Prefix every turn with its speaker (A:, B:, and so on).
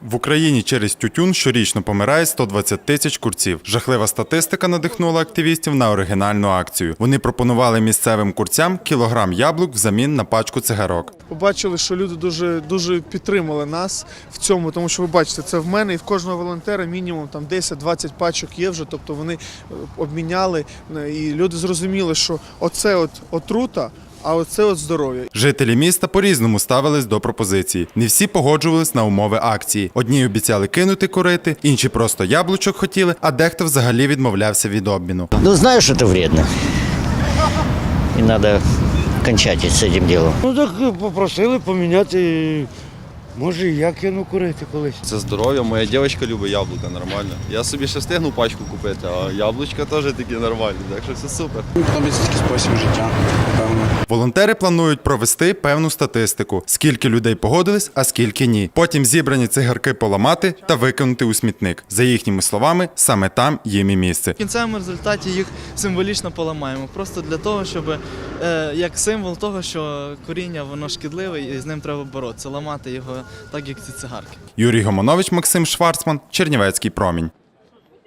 A: В Україні через тютюн щорічно помирає 120 тисяч курців. Жахлива статистика надихнула активістів на оригінальну акцію. Вони пропонували місцевим курцям кілограм яблук взамін на пачку цигарок.
B: Побачили, що люди дуже підтримали нас в цьому, тому що ви бачите, це в мене і в кожного волонтера мінімум там 10-20 пачок є вже, тобто вони обміняли, і люди зрозуміли, що оце от отрута, а оце от здоров'я.
A: Жителі міста по-різному ставились до пропозиції. Не всі погоджувались на умови акції. Одні обіцяли кинути курити, інші просто яблучок хотіли, а дехто взагалі відмовлявся від обміну.
C: Ну, знаю, что это вредно. И надо кончать с этим делом.
D: Ну так попросили поміняти, може і я кину курити колись.
E: Це здоров'я, моя дівчинка любить яблука, нормально. Я собі ще встигну пачку купити, а яблучка теж такі нормальні, так що все супер.
F: Подобається такий спосіб життя, напевно.
A: Волонтери планують провести певну статистику, скільки людей погодились, а скільки ні. Потім зібрані цигарки поламати та викинути у смітник. За їхніми словами, саме там їм і місце.
G: В кінцевому результаті їх символічно поламаємо, просто для того, щоб як символ того, що куріння воно шкідливе і з ним треба боротися, ламати його так, як ці цигарки.
A: Юрій Гомонович, Максим Шварцман, Чернівецький промінь.